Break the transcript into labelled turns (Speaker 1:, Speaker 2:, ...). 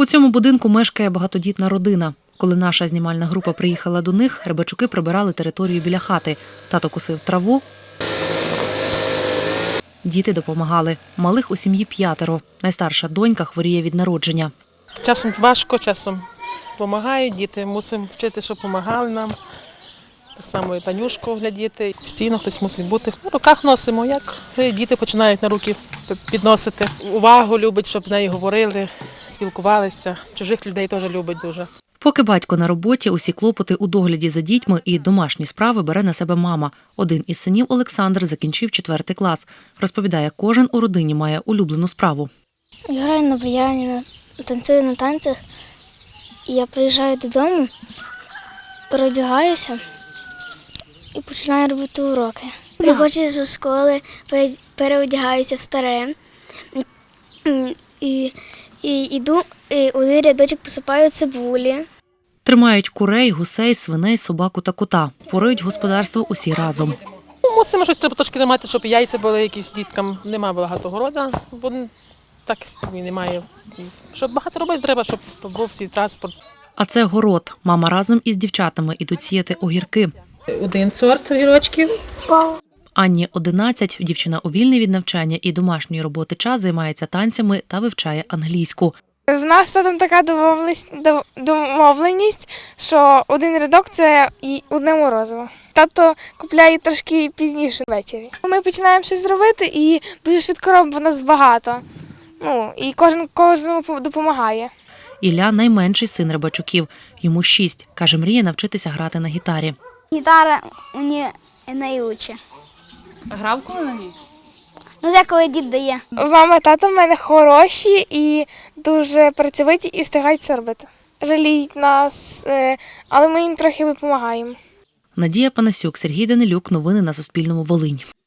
Speaker 1: У цьому будинку мешкає багатодітна родина. Коли наша знімальна група приїхала до них, Рибачуки прибирали територію біля хати. Тато косив траву, діти допомагали. Малих у сім'ї 5. Найстарша донька хворіє від народження.
Speaker 2: Часом важко, часом допомагають діти. Мусимо вчити, щоб допомагали нам. Так само і Танюшку глядіти. Постійно хтось мусить бути. В руках носимо, як діти починають на руки підносити. Увагу любить, щоб з нею говорили, спілкувалися. Чужих людей теж любить дуже.
Speaker 1: Поки батько на роботі, усі клопоти у догляді за дітьми і домашні справи бере на себе мама. Один із синів, Олександр, закінчив 4 клас. Розповідає, кожен у родині має улюблену справу.
Speaker 3: Я граю на баяні, танцюю на танцях. І я приїжджаю додому, переодягаюся і починаю робити уроки. Приходжу зі школи, переодягаюся в старе і йду, один рядочок посипаю цибулі.
Speaker 1: Тримають курей, гусей, свиней, собаку та кота. Порують господарство усі разом.
Speaker 2: Мусимо щось треба трошки тримати, щоб яйця були якісь діткам. Немає багато города, бо так і немає. Щоб багато робити треба, щоб був всі транспорт.
Speaker 1: А це город. Мама разом із дівчатами ідуть сіяти огірки.
Speaker 2: 1 сорт огірочків.
Speaker 1: Анні 11, дівчина у вільний від навчання і домашньої роботи час займається танцями та вивчає англійську.
Speaker 4: В нас там така домовленість, що 1 рядок – це і 1 морозиво. Тато купляє трошки пізніше ввечері. Ми починаємо щось робити і дуже швидко робимо, нас багато. І кожному допомагає.
Speaker 1: Ілля – найменший син Рибачуків. Йому 6. Каже, мріє навчитися грати на гітарі.
Speaker 3: Гітара мені найкраще.
Speaker 5: А грав коли на ній?
Speaker 3: Це коли дід дає.
Speaker 4: Мама, тато в мене хороші і дуже працьовиті і встигають все робити. Жаліють нас, але ми їм трохи допомагаємо.
Speaker 1: Надія Панасюк, Сергій Данилюк. Новини на Суспільному. Волинь.